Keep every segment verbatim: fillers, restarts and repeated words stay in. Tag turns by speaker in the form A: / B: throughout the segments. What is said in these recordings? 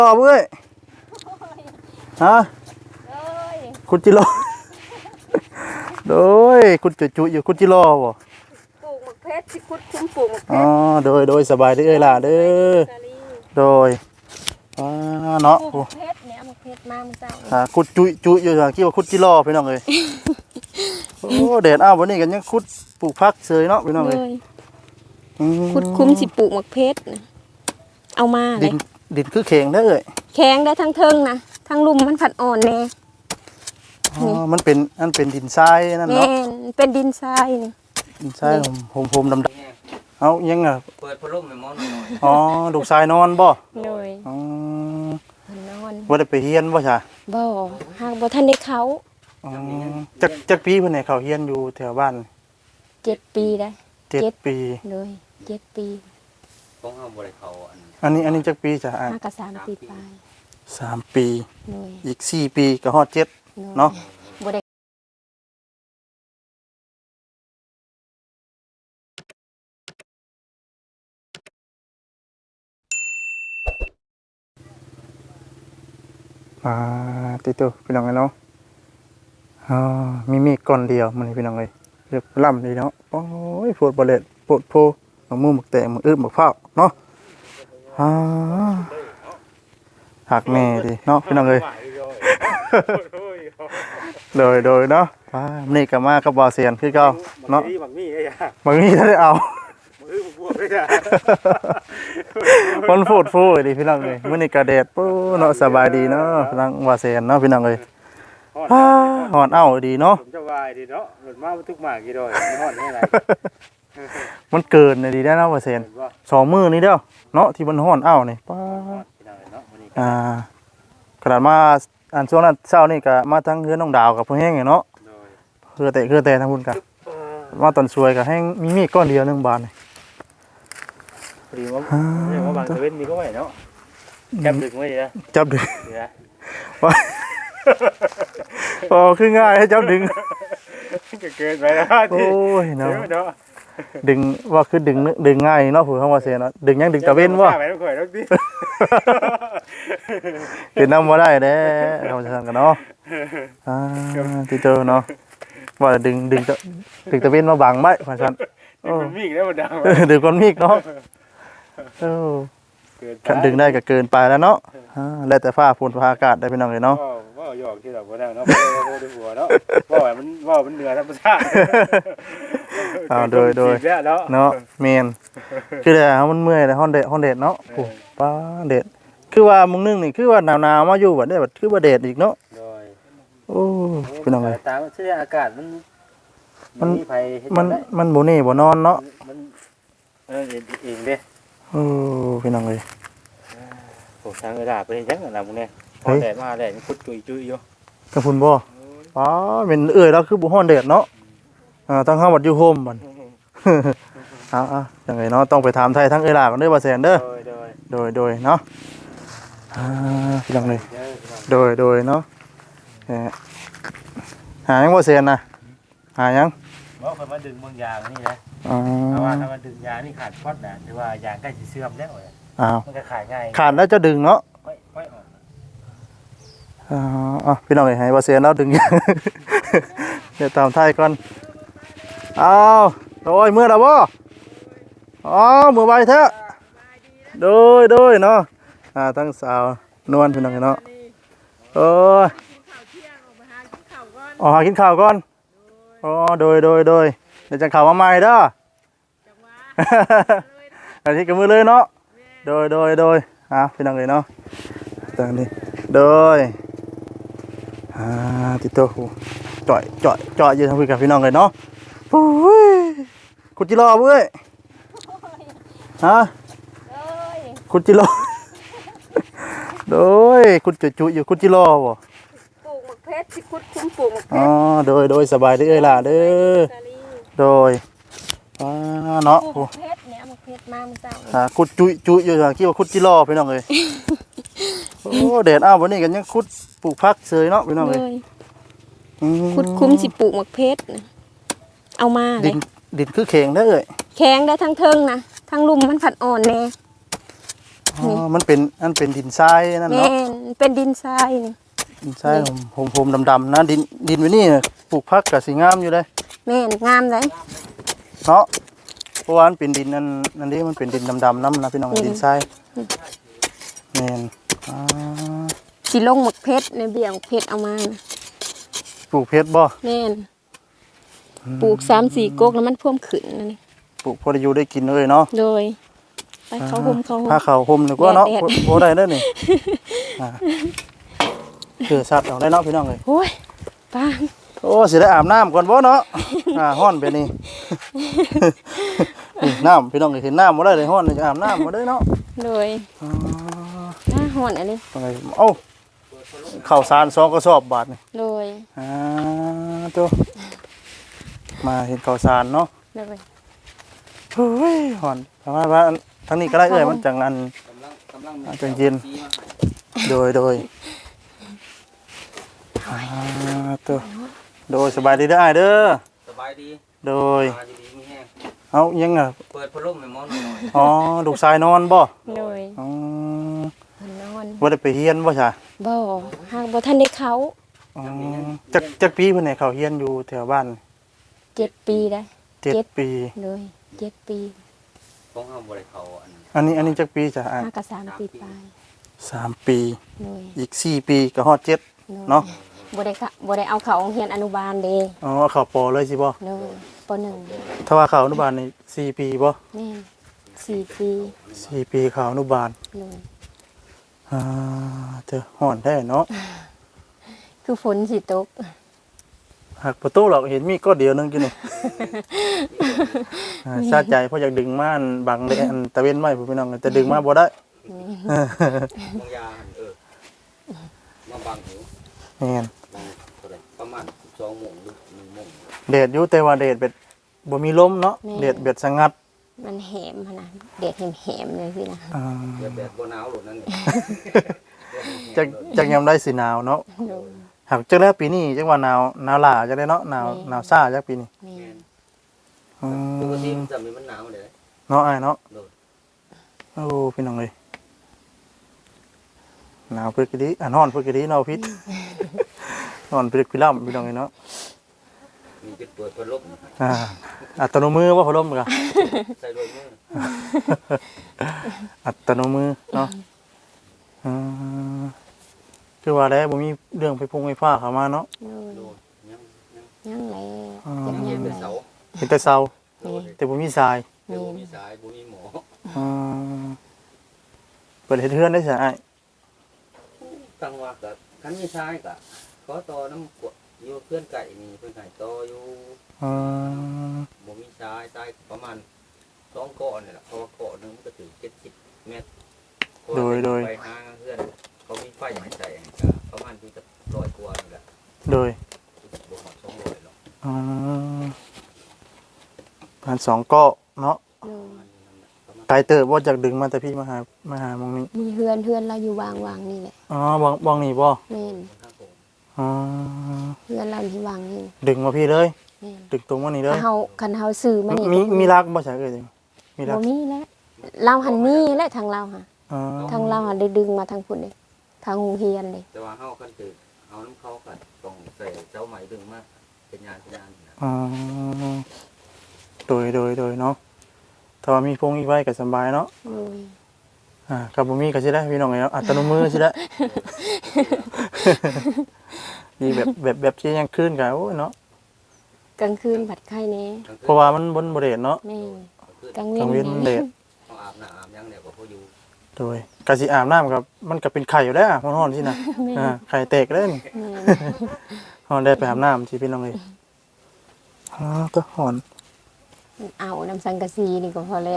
A: รอเว้ยฮะคุณจิโร่โดยคุณจุจุอยู่คุณจิโร่บ่
B: ปลูกหมกเพชรที่คุดคุ้มปลูกหมกเพ
A: อ๋อ
B: ชร
A: โดยโดยสบายดีเอ้ยล่ะเด้อโดยอ่าเนาะ
B: ปลูกหมกเพชรเนี่ยหมกเพชรมามึงเจ้า
A: อ่าคุณจุจุอยู่ทางคิดว่าคุณจิโร่พี่น้องเอ้ยโอ้แดดอ้าววันนี้กันยังคุดปลูกผักเสยเนาะพี่น้องเอ้ยอืม
B: คุดคุ้มสิปลูกหมกเพชรน่ะเอามาเล
A: ดิ
B: ย
A: นดินคือแข็งเด้อเอ้ย
B: แข็งได้ทั้งเทิงนะทั้งลุ่มมันผัดอ่อนแน่
A: อ๋อมันเป็นมันเป็นดินทรายนั่น
B: แม่
A: เนาะ
B: นเป็นดินทรายนี่
A: ดินทรายผมผมดำๆเอายังอ่ะ
C: เปิดพัดลมให้หมอนหน่อย
A: อ๋อลูกชายนอนบ่
B: โดย
A: อ๋อ
B: มันนอน
A: บ่ได้ไปเฮียนบ่จ้ะ
B: บ่หากบ่ทันได้เขา
A: อ๋อจักจักปีเพิ่นให้เขาเฮียนอยู่แถวบ้าน
B: เจ็ดปีได้
A: เจ็ด
B: เจ็ด
A: ปี
B: เลยเจ็ดปี
C: ของเฮาบ่ได้เข้าอัน
A: อันนี้อันนี้จักปีจ้ะอ่ะ
B: ห้ากับสามปีปลาย
A: สามปี
B: เลย
A: อีกสี่ปีก็ฮอดเจ็ด
B: เลย
A: เนาะ
B: บ่ได้
A: อ่าติโตพี่น้องเอ้ยเนาะอ๋อมีมีก้อนเดียวมันนี่พี่น้องเอ้ยเรียบล่ำเลยเนาะโอ้ยโพดบ่เล็ดโพดโพหมักมูหมักแตงหมักอึบหมักเผาเนาะอ่าหักแม่ดิเนาะพี่น้องเอ้ย โดยโดยเนาะอ่านี่ก็มากับบอเซียนคือเก่าเนาะ
D: บางมีไอ้ยา
A: บางทีถ้าได้เอา
D: มือผมบวกไอ้ยา
A: คนฟูดฟูดิพี่น้องเอ้ยมื้อนี้ก็แดดปู้เนาะสบายดีเนาะพลังบอเซียนเนาะพี่น้องเอ้ยอ่าหอนเอ้าดีเนาะ
D: ผมจะวายดีเนาะหลุดมาทุกหมากกี่ดอยไม่หอนไม่ไร
A: มันเกินเลยดีได้เนาะบอเซียน
D: เห็นว่า
A: สองมื้อนี้เด้อเนาะที่มันหอนเอ้านี่ป้า
D: พี่น้องเนาะวันนี้
A: อ่าขนาดมาอันช่วงนั้นเช้านี่ก็มาทั้งเฮือนน้องดาวกับพ่อแห้งเนาะ
D: โดย
A: เฮือแต่เฮือแต่ทั้งพุ่นกันมาตอนสวยก็แห้งมีมีดก้อนเดียวหนึงบาทนี่
D: พอดีว่าเรียกว่าบางตะเวนนี่ก็ไหวเนาะจับดึงไว้ดีนะ
A: จับดึง
D: ดีนะ
A: ว่าพอคือง่ายให้จับดึง
D: เกินไปแล้ว
A: โอ้ยเนาะ
D: เนาะ
A: ดึงว่าคือดึงนึดึงง่ายเนาะผู้คำว่าเสียเนาะดึงยังดึงตะเวนบ่
D: ไปต้องคอยต้องดิ
A: เห็นนำบ่ได้เด้เราจะทำกันเนาะอ่าที่เจอเนาะว่าดึงดึงตะดึงตะเวนมาบังไว้ว่าซั่น
D: มันมีอีกแล้วมันดัง
A: เออดึงก้อนมีกเนาะเออ
D: เกิน
A: คันดึงได้ก็เกินไปแล้วเนาะอ่าแล้วแต่ฟ้าฝนฟ้าอากาศได้พี่น้องเอ้ยเนาะ
D: ว่าหยอกที่เราบ่ได้เนาะว่าดูหัวเนาะว่ามันว่ามันเหนือธรรมชาติ
A: อ้าวโดยโดย
D: เนาะ
A: เนาะแม่นคือแต่มันเมื่อยแล้วฮ้อนแดดฮ้อนแดดเนาะโอ้ป้าแดดคือว่ามึงนึงนี่คือว่าหนาวๆมาอยู่บัดได้บัดคือว่าแดดอีกเนาะ
D: โดย
A: โอ้พี่น้องเอ้ย
D: ตามเสื้ออากาศมัน
A: มัน
D: มีไผเฮ็ด
A: มัน
D: ได้
A: มันบ่นี่บ่นอนเนาะ
D: มันเออเองเด้
A: โอ้พี่น้องเอ้ย
D: โอ้ทางกระดาษไปจังนั่นน่ะมึงเนี่ยพ
A: เฮ้
D: อย แดดมาแดดมันพุดจุยจุยอยู่
A: กระพุ่นบ่อ๋อเป็นเอ้ยแล้วคือบ่ฮ้อนแดดเนาะอ่าทางเฮาบัดอยู่โฮมบัด เอาๆจังไงเนาะต้องไปถามไทยทั้งเอ้ยล่ะกันเด้อบ่แซนเด้อ
D: โดยโดย
A: โดยโดยเนาะอ่าพี่น้องเอ้ย
D: เด้อพี่น้อง
A: โดยโดยเนาะเอ่อหายังบ่แซนน่ะหายัง
D: บ่เพิ่นมาดึงบางอย่างนี่นะ
A: อ๋อ
D: เพราะว่าถ้ามาดึงยางนี่ขาดพอดนะหรือว่ายางใกล้สิเสื่อมแล้วเนี่ย
A: อ้าว
D: มันก็ขายง่าย
A: ขาดแล้วจะดึงเนาะ
D: ค่อยค่อยออก
A: อ๋ออ่ะพี่น้องเอ้ยให้บ่แซนแล้วดึง ยัง เดี๋ยวตามไทยก่อนอ้าวโดยเมื่อแล้วบ่อ๋อมือใบแท้โดยโดยเนาะอ่าทั้งสาวนวลพี่น้องเนาะโอ้ยออกหากินข้าวก่อนอ๋อโดยโดยโดยเดี๋ยวจะข่าวมาใหม่เด้อ อันนี้กับมือเลยเนาะโดยโดยโดยอ่ะพี่น้องเลยเนาะตอนนี้โดยอ่าติดตัวหูจ่อยจ่อยจ่อยยืนทำคุยกับพี่น้องเลยเนาะโอ้ยคุณจิรอเว้ยฮะคุณจิรอโดยคุณจุจุอยู่คุณจิรอบ่
B: ปลูกหมกเพชรที่คุดคุ้มปลูกหมกเพ
A: อ๋อ
B: ชร
A: โดยโดยสบายดีเอ้ยล่ะเด้อโดยอ่าเนาะ
B: ปลูกหมกเพชรเนี่ยหมกเพชรมามึงเจ้า
A: อ่าคุณจุจุอยู่ทางคิดว่าคุณจิรอพี่น้องเอ้ยโอ้แดดอ้าววันนี้กันยังคุดปลูกผักเสยเนาะพี่น้อง
B: เล
A: เอ้ย
B: ย
A: อืม
B: คุดคุ้มสิปลูกหมกเพชรน่ะเอามาเล
A: ดิ
B: ย
A: นดินคือแข็งเด้อเอ้ย
B: แข็งได้ทั้งเทิงนะทั้งลุ่มมันผัดอ่อนแน่
A: อ๋อมันเป็นอันเป็นดินทรายนั่น
B: แม่
A: เนาะ
B: นเป็นดินทรายนี่
A: ดินทรายผมๆดำๆนะดินดินไว้นี่ปลูกผักก็สิงามอยู่เด้
B: แม่นงามเลย
A: เนาะเพราะว่ามันเป็นดินนั่นนั่นนี่มันเป็นดินดำๆน้ำนะพี่น้องดินทรายแม่นอ่า
B: สิลงหมกเพชรในเบี่ยงเพชรเอามา
A: ปลูกเพชรบ่
B: แม่นปลูกสามสี่กกแล้วมันเพิ่มขึ้นนั่นนี่
A: ปลูกพอได้อยู่ได้กินเลยเนาะ
B: โดยไปเขาห่มเขาห่ม
A: ผ้าขาวห่มนี่ก็เนาะ
B: แดด
A: โบ่ได้เด้อนี่อ่าคือสัตว์เอาได้เนาะพี่น้องเอ้ย
B: โอ้ยป้า
A: โอ้สิได้อาบน้ำก่อนบ่เนาะอ่าฮ้อนไปนี่ นี่น้ำพี่น้องเอ้ยเห็นน้ำบ่ได้เลยฮ้อนเลยจะอาบน้ำบ่ได้เนาะ
B: โดย
A: อ๋อ
B: ถ้าห่อนอันนี้
A: ตรงไหนเอ้าข้าวสารสองกระสอบบาทนี่
B: โดย
A: อ่าตัวมาเห็นข้าวสารเนาะ
B: โดย
A: เฮ้ยฮ้อนทำไมว่าทั้งนี้ก็ได้เอ้ยมันจังอัน
C: กำลังกำลัง
A: อ่าจังเย็น
C: ชี้มาให้
A: โดยโดยอ่าตัวโดยสบายดีเด้ออ้ายเด้อ
C: สบายดี
A: โดย
C: มาดีๆมีแห้ง
A: เอายังอ่ะ
C: เปิดพัดลมให้หมอนหน่อย
A: อ๋อลูกชายนอนบ่
B: โดย
A: อ๋อ
B: เพิ่นนอน
A: บ่ได้ไปเรียนบ่จ้ะ
B: บ่หากบ่ทันได้เขา
A: อ๋อจักจักปีเพิ่นให้เขาเรียนอยู่แถวบ้าน
B: เจ็ดปีได้
A: เจ็ด
B: เจ็ด
A: ปี
B: โดยเจ็ดปี
C: ของเฮาบ่ได้เข้าอัน
A: อันนี้อันนี้จักปีจ้ะอ่ะ
B: ห้ากับสามปีปลาย
A: สามปี
B: โดย
A: อีกสี่ปีก็ฮอดเจ็ด
B: โดย
A: เนาะ
B: บ่ได้กะบ่ได้เอาเขาโรงเรียนอนุบาลเด้
A: อ๋อเข้าปอเลยสิบ่
B: โดยปหนึ่ง
A: ถ้าว่าเข้าอนุบาลนี่สี่ปีบ่
B: แม่นสี่ปี
A: สี่ปีเข้าอนุบาล
B: โดย
A: อ่าเจอฮ้อนแท้เนาะ
B: คือฝนสิตก
A: หักประตูหรอกเห็นมีก็เดียวนึงกินนี่ อ่าชาติใจเพราะอยากดึงม่านบังได้อันตะเว้นไว้พี่น้องแต่ดึงมาบ่ได้
C: บางยาหั่นเออมาบังหู
A: แม่น
C: บังเท่าไหร่ประมาณสองโมงหรือหนึ่งโมง
A: แดดอยู่แต่ว่าแดดเบ็ดบ่มีลมเนาะแดดเบ็ดสงัด
B: มันแหมขนาดเด็ดแหมๆเลยสินะ
A: อ่า
C: เดี๋ยวแบบบ่หนาวหลุดนั่นนี่
A: จักจักยามได้สิหนาวเนาะ
B: โดย
A: หากจักแล้วปีนี้จักว่าหนาวหนาวหลาจักได้เนาะหนาว
B: แม่
A: หนาวซ่าจักปีนี้
B: แม่น
A: อื
C: ปกติ
A: ม
C: มันจะมีมันหนาวเลย
A: เนาะอ้ายเนาะ
C: โดด
A: โอ้พี่น้องเอ้ยหนาวเพิ่นก็ดีอ่ะนอนเพิ่นก็ดีเนาะพิษ นอนเพิ่นพี่ล่ํพี่น้องเอ้ยเนาะ
C: มีจุดเปิดพัดลม
A: อ่าอัตโนมือว่าพัดลมกะ
C: ใส่ด้วยมือ
A: อัตโนมือเนาะอืมคือว่าแล้วบ่มีเรื่องไฟพงไฟฟ้าเข้ามาเนาะ
B: โดย
C: โดดยังยัง
B: ยังแล
A: อ่า
B: ยัง
C: เย็
B: ยั
C: น
B: ง
C: เป็น
B: แล
C: เสา
A: เห็นแต่เสา
C: โดด
A: แต่บ่มีทราย
C: เดี๋ยวบ่มีสายบ่มีหมอ
A: อืมเปิดเฮ็ดเฮือนได้ซะอ้าย
C: ตั้งว่าก็คันมีสายก็ขอต่อน้ำกวดอยู่เพื่อนไก่นี่เพิ่นให้ต่ออยู่
A: อืม
C: บ่มีสายสายประมาณสองก้อนนี่แหละเพราะว่าก้อนหนึงมันก็ถึงเจ็ดสิบเมตรไปหาเพื่อนเขามีไฟให้ใส่ก็ประมาณที่จะร้อยกว่านี่แหละ
A: โดย
C: บ่ฮอดสองร้อยหรอก
A: อืมพันสองเก็เนาะ
B: โดย
C: ประมาณ
A: ไกลเติบบ่จากดึงมาแต่พี่มาหามาหาหมองนี้
B: มีเฮือนเฮือนเราอยู่วางวางนี่แหละ
A: อ๋อบ่บ่องนี่บ่
B: แม่น
C: ข้างผม
A: อ๋อ
B: เฮือนเราอยู่วางนี่
A: ดึงมาพี่เลย
B: แม่น
A: ดึงตรงมานี่เลย
B: ถ้าเฮาคันเฮาซื้อมานี่
A: มี
B: ก็
A: มีรักบ่ใช่เอ้ยมีรั
B: บ่
A: ก
B: มีแล้วเราหันมีและทางเราค่ะ
A: อ๋อ
B: ทางเราหันได้ดึงมาทางพุ่นเลยทางโรงเรียนเลย
C: แต่ว่าเฮาคันคือเอาน้ำเขาก็ต้องใส่เจ้าไหมดึงมาเป็นยานเป็นยานนะ
A: อ๋อโดยโดยโดยเนาะถ้าว่ามีพงอีกไว้ก็สบายเนาะ
B: โดย
A: อ่ากับบ่มีก็สิได้พี่น้องเอ้ยเนาะอัตโนมือสิได้ มีแบบแบบแบบที่ยังคืนก็โอ้ยเนาะ
B: กลางคืนผัดไข่แน่
A: เพราะว่ามันบนบ่ได้เนาะ
B: แม่นก
C: ก
B: ลา
C: ลาง ง
B: เว้
A: กลางเว้น
B: น
A: มันแดด
C: เขาอาบน้ำอาบยังเนี่ยก็เขาอยู่
A: โดยกะสิอาบน้ำครับมันก็เป็นไข่อยู่แล้วมันฮ้อนสินะ
B: แม่
A: อ่าน ไข่แตกแล้วนี่
B: แม่น
A: ฮ้อนได้ไปอาบน้ำสิพี่น้องเอ้ยอ๋อก็ฮ้อน
B: เอาน้ำสังกะสีนี่ก็พอแล้ว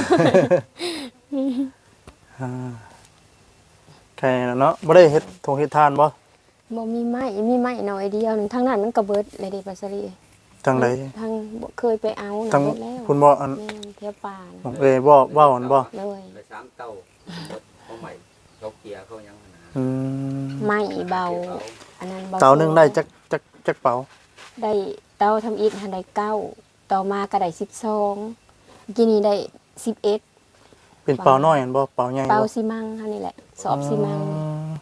A: อ่าไข่แล้วเนาะบ่ได้เฮ็ดทงเฮ็ดทานบ่
B: บ่มีไม้มีไม้น้อยเดียวหนึงทางนั้นมันก็เบิดเลยเด้ปัสรี
A: จังได
B: ทางบ่เคยไปเอาน่ะ
A: ทั้ง
B: เบิดแล้ว
A: คุณบ่อัน
B: แม่นเที่ยวป่า
A: ขอ
B: น่ะ
A: งเอ้ยบ่เว้าอันบ่
B: เลย
C: ไปสามเต้าเขาใหม่เขาเกียร์เขายังนะ
A: อืม
B: ไม้เบา อันนั้นเบา
A: เตาหนึงได้จักจักจักเป๋า
B: ได้เตาทำอิฐหันได้เก้าต่อมาก็ได้สิบสองกินนี้ได้สิบเอ็ด
A: เป็นเป่าน้อยอันบ่เป่าใหญ่
B: เป่า
A: บ่
B: ซีมังเฮานี่แหละสอบซีมัง
A: อ๋อ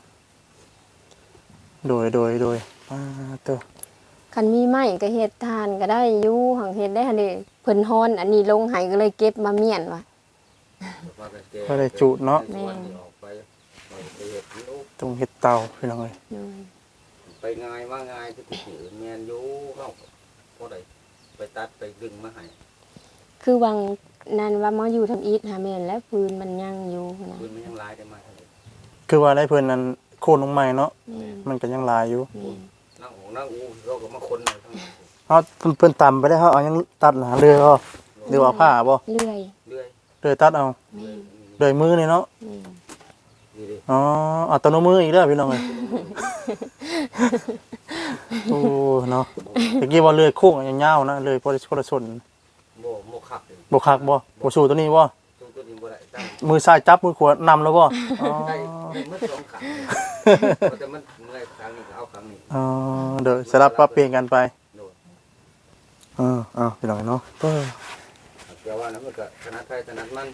A: โดยโดยโดยอ่าตัว
B: คันมีไม้ก็เฮ็ดทานก็ได้อยู่หังเฮ็ดได้หั่นเด้เพิ่นฮ้อนอันนี้ลงให้ก็เลยเก็บมาเมียนว่ะ
A: ก็ได้จุเนาะ
B: แม่
C: ออกไปไปเฮ็ดอยู่
A: ตรงเฮ็ดเตาพี่น้องเอ้ย
B: โดย
C: ไปง่ายมาง่ายคือสิแม่นอยู่เฮาบ่ได้ไปตัดไปดึงมาให้
B: คือวังนั้นว่ามาอยู่ทำอีทหาแม่นแล้วปืนมันยังอยู่นะ
C: ปืนมันยังหลายได้มาเท่านี้
A: คือว่าได้เพิ่นนั้นโค่นลงใหม่เนาะ
B: แม่น
A: มันก็ยังหลายอยู่
B: แม่น
C: นั่งโอ้นั่งอู้เราก็มาคนเอาทั้งนั้น
A: เฮาเพิ่นเพิ่นตำไปได้เฮาเอายังตัดหนาเรือบ่หรือว่าผ้าบ่
B: เลื่อย
C: เรื่อย
A: เรือตัดเอา
B: แม่น
A: โดยมือนี่เนาะ
B: แม่น
C: นี่ดิ
A: อ๋ออัตโนมืออีกแล้วพี่น้องเอ้ย โอ้เนาะเมื่อกี้ว่าเรือโค้งยาวๆนะเรือพอได้พอได้ชน
C: บ่บ่คักเลย
A: บ่คักบ่บ่สู้ตัวนี้บ่
C: ตัวตัวนี้บ่ได้ตั้ง
A: มือซ้ายจับมือขวานำแล้วบ่อ๋อ
C: ได้ได้มือสองขังแต่มันเมื่อยครั้งนี้ก็เอาครั้งนี้
A: อ๋อเดี๋ยวสลับปรับเปลี่ยนกันไป
C: โดน
A: เออเอาพี่น้องเนาะเออ
C: แต่ว่านั้นมันก็ถนัดใครถนัดมัน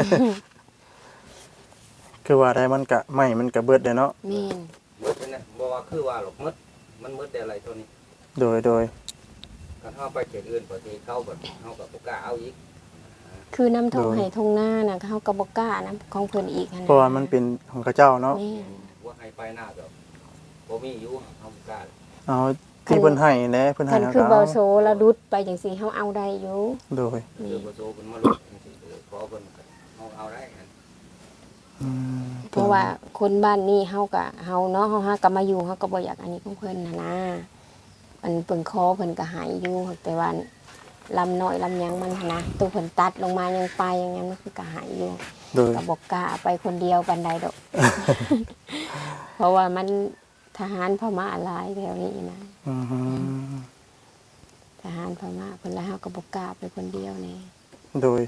A: คือว่าได้มันก็ไม่มันก็เบิดได้เนาะ
B: แม่น
C: มืดเนี่ยบ่ว่าคือว่าหรอกมืดมันมืดแต่อะไรตัวนี้
A: โดยโดย
C: กันเฮาไปเขตอื่นปกติเข้าแบบเฮาก็บ่กล้าเอาอีก
B: คือน้ำทงให้ทงหน้าน่ะเขาก็บ่กล้านะของเพิ่นอีกหั่น
A: เพราะว่ามันเป็นของข้าเจ้าเนาะ
B: แม่น
C: ว่าให้ไปหน้าก็บ่มีอยู่เฮาบ่กล้า
A: เอาที่เพิ่นให้แหละเพิ่นให้
B: คัน
A: เฮา
B: คือ
A: ก็
B: เบา
A: เอา
B: โซแล้วดุดไปจังซี่เฮาเอาได้อยู่
A: โดย
C: เจอบ่โซเพิ่นมาลุกจังซี่เออขอเพิ่นก็เฮาเอาได้หั่น
A: อืม
B: เพราะว่าคนบ้านนี้เฮาก็เฮาเนาะเฮาหาก็มาอยู่เฮาก็บ่อยากอันนี้ของเพิ่นน่ะนะมันเพิ่นขอเพิ่นก็ให้อยู่แต่ว่าลำน้อยลำหยังมันหั้นนะตัวเพิ่นตัดลงมายังไปอย่างนั้นมันคือก็ให้อยู่
A: โดย
B: ก็บอกกล้าไปคนเดียวปันใดดอก เพราะว่ามันทหารพม่าหลายแถวนี้นะ
A: อืม
B: ทหารพม่าเพิ่นละเฮาก็บอกกล้าไปคนเดียวนี่
A: โดย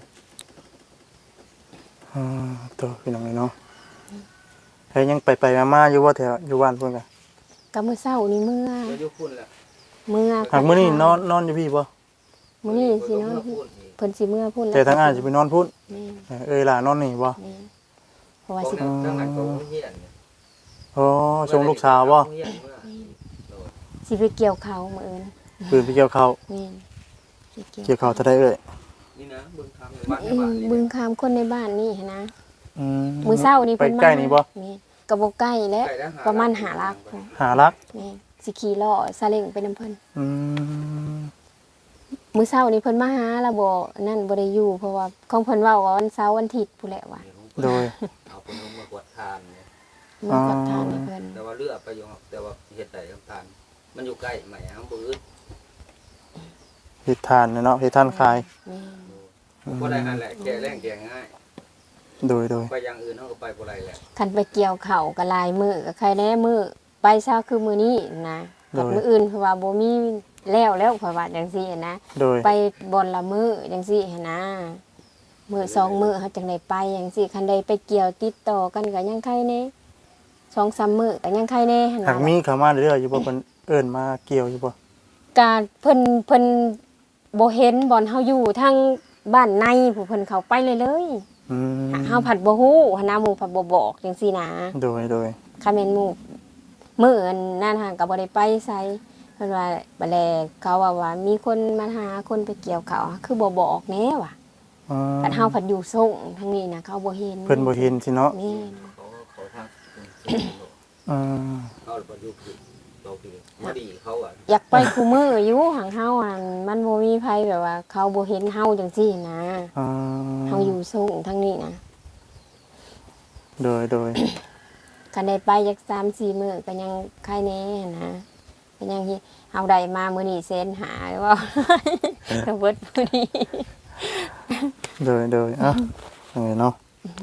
A: อ่าตัวพี่น้องเนาะเฮ้ยยังไปไปๆมาๆอยู่ว่าแถวอยู่บ้านเพิ่นก็
B: ก็มื้อเช้านี่เมื่อ
C: ก็อยู่พุ่นแหละ
B: เมื่อ
A: หากมื้อนี้นอนนอนอยู่พี่บ่
B: มื้อนี้สินอน
C: พุ่นอีก
B: เพิ่นสิเมื่อพุ่น
A: แต่ทางอ้ายสิไปนอนพุ่น
B: แม่น
A: เออเอ้ยล่ะนอนนี่บ่
B: แม่นเพราะว่า
C: เพราะ
B: สิ
C: นั้นจังหวัดก็บ่เฮียน
A: อ๋อส่งลูกสาวบ่
C: เฮียนเมื่อ
B: สิไปเกี่ยวเขาวมื้ออื่น
A: ปืนไปเกี่ยวข้าว
B: แม่นสิ
A: เกี่ยวข้าวเท่าใดเอ้ย
C: นี่นะบึงคำบ้าน
B: อื
C: บ้าม นนี่
B: บึงคามคนในบ้านนี่หั้นนะ
A: อืม
B: มื้อเช้านี่
A: ไป
B: เพิ่นมา
A: ใกล้นี่บ่
B: แม่นก็บ่ใกล้แล้วประมาณห้าลักพอ
A: หารัก
B: แม่นสิขี่ล้อซาเล้งไปนํเพิ่น
A: อืม
B: มื้อเช้านี้เพิ่นมาหาแล้วบ่นั่นบ่ได้อยู่เพราะว่าของเพิ่นเว้าว่าวันเสาร์วันอาทิตย์พู้นแหละว่ะ
A: โดย
C: เอาคนลงมากวดทานเนี่ย
B: มากับทานให้เพิ่น
C: แต่ว่าเลือกไปอยู่แต่ว่าเฮ็ดได้กับทาน มันอยู่ใกล้ใหม่ฮัมบืด
A: เฮ็ดทานเนาะเฮ็ดทานขาย
B: แม่น
C: บ่ได้หันแหละแก่แรงแก่ง่าย
A: โดยโดย
C: ไปอย่างอื่นเฮาก็ไปบ่ได้แหละ
B: คันไปเกี่ยวข้าวก็หลายมื้อก็ใครแน่มื้อไปเช้าคือมื้อนี้นะกับมื้ออื่นเพราะว่าบ่มีแล้วแล้วเพราะว่าจังซี่นะ
A: โดย
B: ไปบ่อนละมื้อจังซี่หันนะมื้อสองมื้อเฮาจังได้ไปจังซี่คันใดไปเกี่ยวติดต่อกันก็ยังใครแน่สองสามมื้อก็ยังใครแน่หั่น
A: หาก
B: น่ะ
A: มีเข้ามาเรื่อยๆอยู่บ่เพิ่นเอิ้นมาเกี่ยวอยู่บ่
B: การเพิ่นเพิ่นบ่เห็นบ่อนเฮาอยู่ทางบ้านในผู้เพิ่นเข้าไปเลยเลย
A: อืม
B: เฮาผัดบ่ฮู้หันนะหมู่ผัดบ่บอกจังซี่นะ
A: โดยโดย
B: คันแม่นหมู่มื้ออันนั่นห่างก็บ่ได้ไปไสเพิ่นว่าบัดแลเขาว่าว่ามีคนมาหาคนไปเกี่ยวเขาวคือบ่บอกแน่ว่ะ
A: อ๋อ
B: คันเฮาผัดอยู่ส่งทางนี้นะเขาบ่เห็น
A: เพิ่นบ่เห็นสิเนาะ
B: แม่น
C: เขาเขาทาง
A: อืม
C: เขาบ่อยู่คือเราคือมาดีเขาอ่ะ
B: อยากไปคู่มื้ออยู่หังเฮาอันมันบ่มีไผแบบว่า เขาบ่เห็นเฮาจังซี่นะ
A: อ๋อ
B: เฮาอยู่ส่งทางนี้นะ
A: โดยโดย
B: คันได้ไปจักสามสี่มื้อก็ยังใครแน่นะก็ยังที่เฮาได้มามื้อนี้แสนหาว่า ก็เบิดมื้อนี้
A: โดยโดยอ่ะเออเนาะ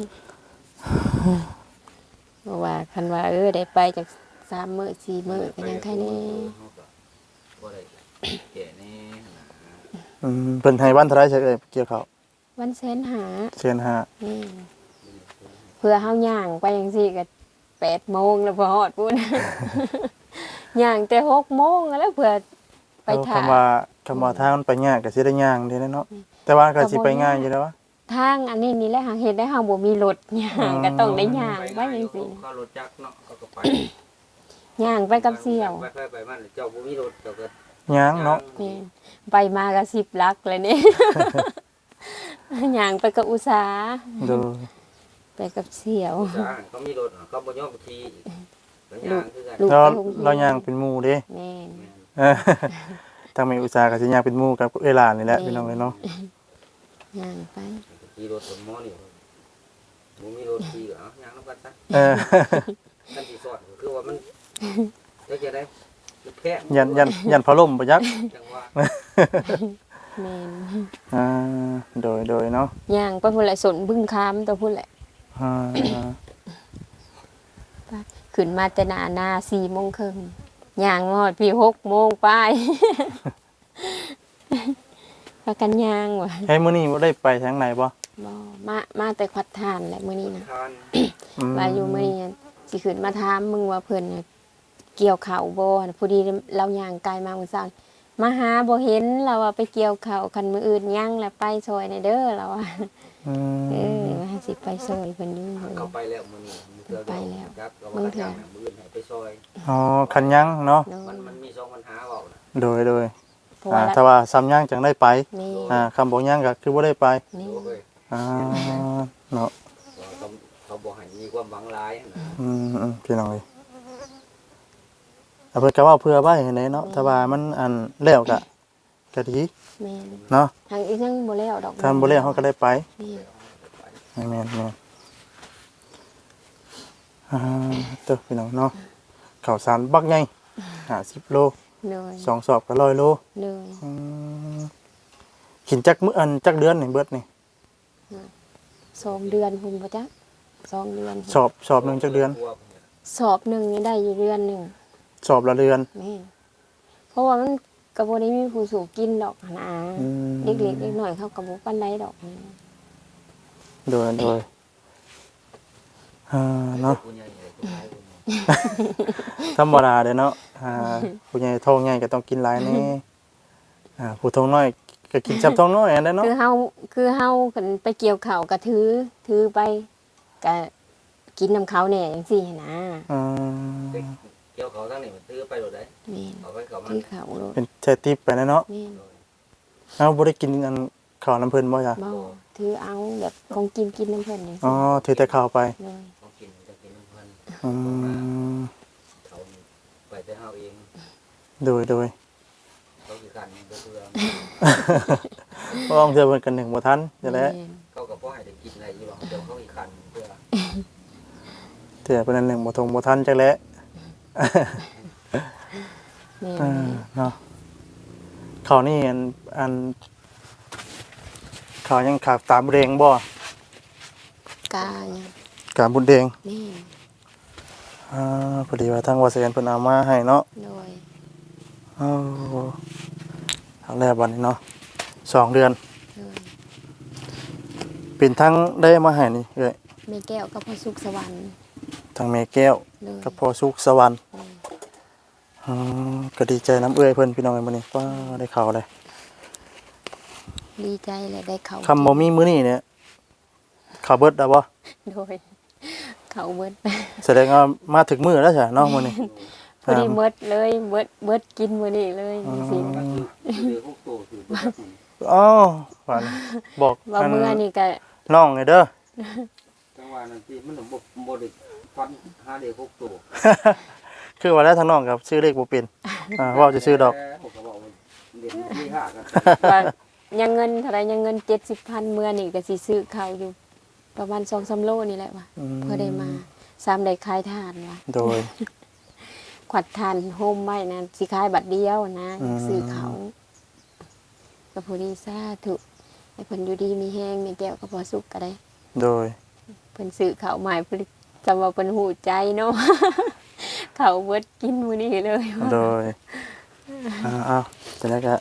B: เพราะว่าคันว่าเออได้ไปจักสามมื้อสี่มื้อก็ยังใครแน่
C: บ่ได้แก่แน่นะ
A: อืมเพิ่นให้วันเท่าไหร่ใช่เอ้ยเกี่ยวข้าว
B: วันแสนหา
A: เชิญหา
B: นี่เพื่อเฮาย่างไปจังซี่ก็แปดโมงแล้วพอฮอดพุ่น ย่างแต่หกโมงแล้วเพื่อไป
A: เอา
B: ถ่า
A: คำว่าคำว่าทางมันไปยากก็สิได้ย่างเด้เนาะแต่ว่าก็สิไปง่ายอยู่แล้ววะ
B: ทางอันนี้นี่แหละหาเฮ็ดได้เฮาบ่มีรถย่างก็ต้องได้ย่างไปจังซี่
C: เขารถจักรเนาะเขาก็ไป
B: ย่างไปกับเสี่ยว
C: ไปไปไปมันเจ้าบ่มีรถเจ้าก็
A: ย่างเนาะ
B: แม่นไปมาก็สิบลักเลยนี่ ย่างไปกับอุตสาห
A: โดย
B: ไปกับเสี่ยว
C: สาเขามีรถเขาบ่ยอมขี่แล้วย่างคือกัน
B: ลูก
A: เรา
B: ไปโรงเรียน
A: เราย่างเป็นหมู่เด้
B: แม่น
A: เออทางแม่อุตสาหก็สิย่างเป็นหมู่กับเวลานี่แหละพี่น้องเอ้ยเนาะ
B: ย่างไป
C: ขี่รถบนหม้อนี่บ่มีรถขี่เหรอย่างนำกันซะ
A: เออ
C: ท่านสิสอนก็คือว่ามันจะจะได้แพ้
A: ยันยันยันพะล่มบ่ยัก
C: จังว่า
B: แม่น
A: อ่าโดยโดยเนาะ
B: ย่างไปพุ่นแหละสนบึ้งคามตัวพุ่นแหละ
A: อ่า
B: ขึ้นมาแต่หน้าหน้าสี่โมงครึ่งย่างมาฮอดพี่หกโมงไป พากันย่างว่ะ
A: ให้มื้อนี้บ่ได้ไปทางไหนบ่
B: บ่มามาแต่ควัดทานแหละมื้อนี้นะ
C: ทาน
A: อืม
B: ว่าอยู่มื้อนี้สิขึ้นมาถามมึงว่าเพิ่นน่ะเกี่ยวข้าวบ่น่ะพอดีเราย่างไกลมามื้อเช้ามาหาบ่เห็นเราว่าไปเกี่ยวข้าวคันมื้ออื่นย่างแล้วไปซอยในเด้อเราว่า
A: อื
B: เออ
A: ม
B: ว่าสิไปซอยเพิ่นอยู่เพิ่น
C: เขาไปแล้วมื้อนี้มื้อเทื่อ
B: ไปแล้ว
C: ครับก็ว่าจะจ้างมื้ออื่นให้ไปซอย
A: อ๋อคันยังเนาะ
B: โด
C: มัน
B: น
C: มันมีสองปัญหาเว้าน่ะ
A: โดยโดย
B: เพราะ
A: อ่า
B: ว่า
A: ถ้าว่าซ้ำยังจังได้ไป
B: นี่
A: อ่าคำบ่ยังก็คือบ่ได้ไป
B: นี่
C: โอ้ย
A: อ่าเนาะ
C: ว่าเขาเขาบ่ให้มีความหวังหลายนะ
A: อืมอืมพี่น้องเอ้ยเอาเพิ่นก็เว้าเพื่อไว้ให้แหน่เนาะถ้าว่ามันอันแล้วก็ก็ดี
B: แม่น
A: เนาะ
B: ทางอีกยังบ่แล้วดอก
A: ถ้าบ่แล้วเฮาก็ได้ไป
B: นี่
A: แม่นแม่นอ่าเด้อพี่น้องเนาะข้าวสารบักใหญ่ห้าสิบโล
B: เลย
A: สองสอบก็ร้อยโล
B: เลย
A: อืมกินจักมื้ออันจักเดือนนี่เบิดนี่
B: สองเดือนพุ่นบ่จ๊ะสองเดือน
A: สอบสอบหนึงจักเดือน
B: สอบหนึ่งนี่ได้อยู่เดือนหนึ่ง
A: สอบละเดือน
B: แม่นเพราะว่ามันกระบได้มีผู้สูงกินดอกนะ
A: อืม
B: เล็กๆเล็กน้อยเขากระบปันไดดอกนะ
A: โดยโดยอ่าเนาะ
C: ผู้ใหญ่เลยผู้ชายผู้ใหญ่
A: ธรรมดาเด้อเนาะอ่าผู้ใหญ่ท้องใหญ่ก็ต้องกินหลายแนี่อ่าผู้ท้องน้อยก็กินจับท้องน้อยอันนั้นเนาะ
B: คือเฮาคือเฮากันไปเกี่ยวข้าวก็ถือถือไปก็กินน้ำเขาแหน่จังซี่นะ
A: อืม
C: เกี่ยวเขาทั้งนี้มันซื้อไปโดดได้
B: แม่น
C: เอาไปเขามัน
B: ถือเขาโลด
A: เป็นใช้ติปไปนะเนาะ
B: แม่น
A: เอ้าบ่ได้กินอันข้าวน้ำเพิ่นบ่จ้ะ
B: บ่ถือเอาแบบของกินกินน้ำเพิ่นจัง
A: อ๋อ
B: ซี่
A: ถือแต่ข้าวไป
B: เลย
C: เขากินจะกินน้ำพัน
A: อืม
C: เขาไปแต่เฮาเอง
A: โดยโดย
C: เขาคือกันก็คือ
A: เพราะว่าบางเทื่อเพิ่นกันหนึ่งบ่ทันจะแล้ว
B: แม่น
C: เขาก็บ่ให้ได้กินอะไรอยู่หรอกเดี๋ยวเขาอีกคันเพื่อ
A: เทื่อเพิ่นอันหนึ่งบ่ทงบ่ทันจักแล้ว
B: แม่น
A: อ่าเนาะข้าวนี่อันอันข้าวยังขาดตามบุญแดงบ่
B: กายัง
A: กาบุญแดง
B: แม่น
A: อ่าพอดีว่าทางวาเซียนเพิ่นเอามาให้เนาะ
B: โดย
A: โอ้เอาแล้วบัดนี้เนาะสองเดือน
B: โดย
A: เป็นทั้งได้มาให้นี่เอ้ย
B: แม่แก้วกับพ่อสุขสวรรค์
A: ทั้งแม่แก้ว
B: เลย
A: กับพ่อสุขสวรรค์
B: เลย
A: อืมก็ดีใจน้ำเอื้อยเพิ่นพี่น้องเอ้ยมื้อนี้ว้าได้ข่าวเลย
B: ดีใจเลยได้เขา
A: คำบ่มีมื้อนี้เนี่ยข่าวเบิดแล้วบ่
B: โดยเขาเบิด
A: แสดงว่ามาถึงมื้อแล้วจ้ะเนาะมื้อนี้
B: พอดีเบิดเลยเบิดเบิดกินมื้อนี้เลยจริง
C: ก็คือคือพวกโตคือพวกนี้
A: อ๋อฝันบอก
B: ๆว่ามื้อนี้ก็
A: น้องไงเด้อ
C: จังหวะนั้นที่มันบ่บ่ได้ฟันหาเด็กพวกโต
A: คือว่าแล้วทางน้องครับชื่อเลขบ่เป็นอ่าเว้าจะชื่อดอก
C: ผมก็บอกว่าเด็กที่ห้ากัน
B: ว่ายังเงินเท่าไรยังเงินเจ็ดสิบพันมื้อนี้ก็สิซื้อข้าวอยู่ ประมาณสองสามโลนี่แหละว่ะ
A: อืม
B: เพื่อได้มาซ้ำได้ขายทานว่ะ
A: โดย
B: ขวัดทานโฮมไว้นะสิขายบัตรเดียวนะ
A: อืม
B: ซื้อเขาก็พอดีซาถูกให้เพิ่นอยู่ดีมีแห้งมีแก้วก็พอสุกก็ได้
A: โดย
B: เพิ่นซื้อข้าวใหม่เพิ่นจำว่าเพิ่นหูใจเนาะ ข้าวเบิดกินมื้อนี้เลย
A: โดยอ่าอ้าวจะได้ก็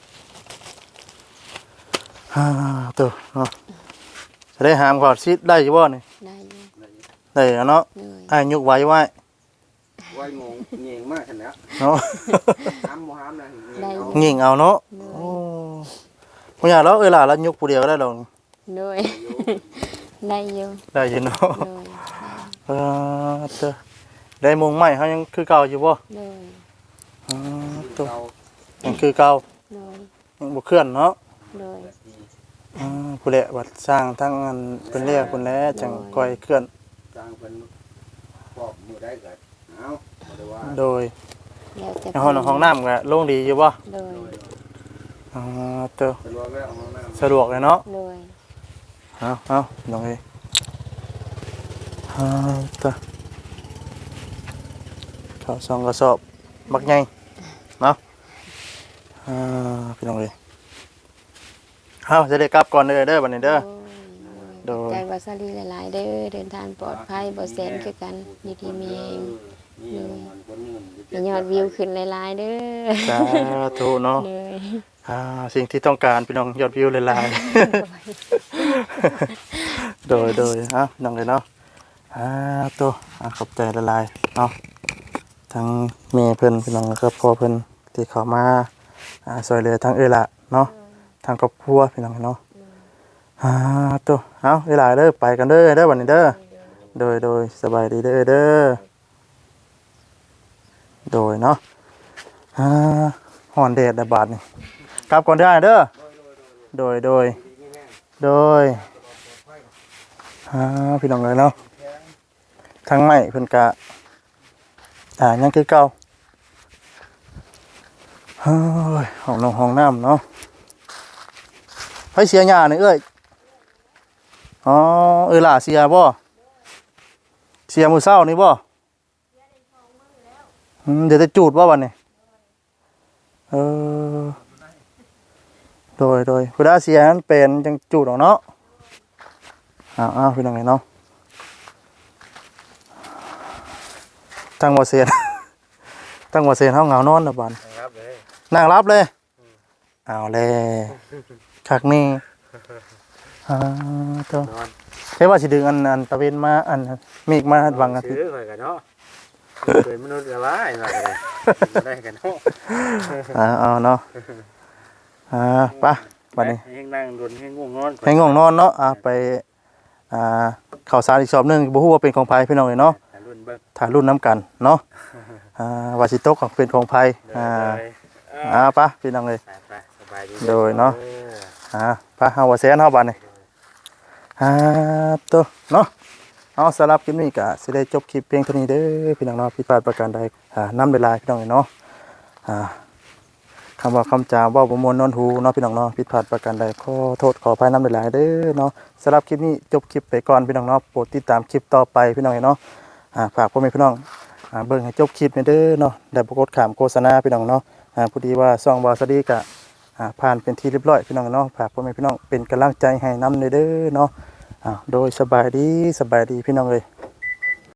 A: ฮ่าตัวเนาะจะได้หามขอดซิดได้อยู่บ่นี่
B: ได้อยู่
A: ได้แล้วเนาะ
B: เลย
A: อ้ายยกไว้ไว้
C: ไว้งงเงียงมากขนาด
A: เนาะ
C: ห้ามบ่ห้ามนะ
B: ได้
C: เงียง
A: งิ่งเอาเนาะ
B: เลย
A: โอ้บ่อยากแล้วเอ้ยล่ะแล้วยกผู้เดียวก็ได้ดอก
B: เโดย ได้อยู่
A: ได้อยู่เนาะ
B: โดย
A: เออเด้อได้มงใหม่เฮายังคือเก่าอยู่บ่
B: โดย
A: อ๋อ
C: คือ
A: ตัว
C: เรา
A: ยังคือเก่า
B: โดย
A: ยังบ่เคลื่อนเนาะ
B: โดย
A: อ่าผู้แหละวัดสร้างทั้งอันเป็นเรียกพุ่นแหละจังค่อยเคลื่อน
C: สร้างเป็นครอบมือได้ก็เอาบ่ได้ว่า
A: โดย
B: แล้วแต่
A: ในห้องห้องน้ำก็โล่งดีอยู่บ่
B: โดย
A: อ๋อเด้อ
C: สะดวกแล้วเอามา
A: สะดวกเลยเนาะ
B: โดย
A: เอาเอาลองเอ้ยอ่าเด้อข้าวซองกระสอบบักใหญ่เนาะอ่าพี่น้องเอ้ยเฮาจะได้กลับก่อนเด้อเด้อบัดนี้เด้อ โดย
B: ใจวัสดีหลายๆเด้อเดินทางปลอดภัยบ่แสนคือกันอยู่ที่มีเอง
C: มีมันคนนึง
B: ให้ยอดวิวขึ้นหลายๆเด้อ
A: สาธุเนาะ
B: เลย
A: อ่าสิ่งที่ต้องการพี่น้องยอดวิวหลายๆ โดยโดยอ่ะพี่น้องเลยเนาะอ่าตัวอ่ะขอบใจละลายเนาะทั้งเมย์เพิ่นพี่น้องแล้วก็พ่อเพิ่นที่เข้ามาอ่าซอยเหลือทั้งเอ้ยละเนาะทางครอบครัวพี่น้องเนาะอ่าตัวเอาเวลาเด้อไปกันเด้อเด้อวันนี้เด้อโดยโดยสบายดีเด้อเด้อโดยเนาะอ่าฮ้อนแดดได้บาดนี่กลับก่อนได้เด้อโดยโดยโดยอ่าพี่น้องเลยเนาะทางใหม่เพิ่นกะอ่ายังคือเก่าเฮ้ยห้องนงห้องน้ำเนาะให้เสียหญ้านี่เอ้ยอ๋อเออล่ะเสียบ่เสียมื้อเช้านี่บ่อืมเดี๋ยวจะจูดบ่วันนี้เออโดยโดยผู้ได้เสียนั้นเป็นจังจูดออกเนาะอ้าวอ้าวพี่น้องเนาะตั้งบ่เสียน ตั้งบ่เสียนเฮาเหงานอนน่ะบัด
D: ครับเลย
A: นั่งรับเลยเอาเลยคักนี่อ่าตัวน
D: อน
A: ใช่ว่าสิดึงอันอันตะเวนมาอันมีกมาบังอาทิต
D: ซื้
A: ย์
D: อข่อยกันเนาะเคยมนุษย์ละลายมากันเลยได้กันเนาะ
A: อ่าเอาเนาะอ่าไปบัดนี้
D: ให้นั่งดนให้ง่วงนอน
A: ให้ง่วงนอนเนาะอ่าไปอ่าข้าวสารอีกสอบหนึงบ่ฮู้ว่าเป็นของไผพี่น้องเอ้ยเนาะ
D: รุ่นเบิ่ง
A: ถ่ายรุ่นน้ำกันเนาะอ่าว่าสิตกของเป็นของไผอ่าอ่าไปพี่น้องเอ้ย
D: ไปสบายดี
A: โดยเนาะ อ่าไปเฮาว่าแสนเฮาบัดนี้อ่าตัวเนาะเอาสำหรับคลิปนี้ก็สิได้จบคลิปเพียงเท่านี้เด้อพี่น้องเนาะผิดพลาดประการใดอ่านำเวลาพี่น้องเนาะอ่าคำว่าคำจาเว้าบ่ม่วนนอนหูเนาะพี่น้องเนาะผิดพลาดประการใดขอโทษขออภัยนำเวลาเด้อเนาะสำหรับคลิปนี้จบคลิปไปก่อนพี่น้องเนาะโปรดติดตามคลิปต่อไปพี่น้องเนาะอ่าฝากพ่อแม่พี่น้องอ่าเบิ่งให้จบคลิปนี่เด้อเนาะได้บ่กดข้ามโฆษณาพี่น้องเนาะอ่าพอดีว่าช่องบ่าวสวัสดีก็ อ่าผ่านเป็นที่เรียบร้อยพี่น้องเนาะฝากพ่อแม่พี่น้องเป็นกำลังใจให้นำเด้อเนาะอ่าโดยสบายดีสบายดีพี่น้องเลย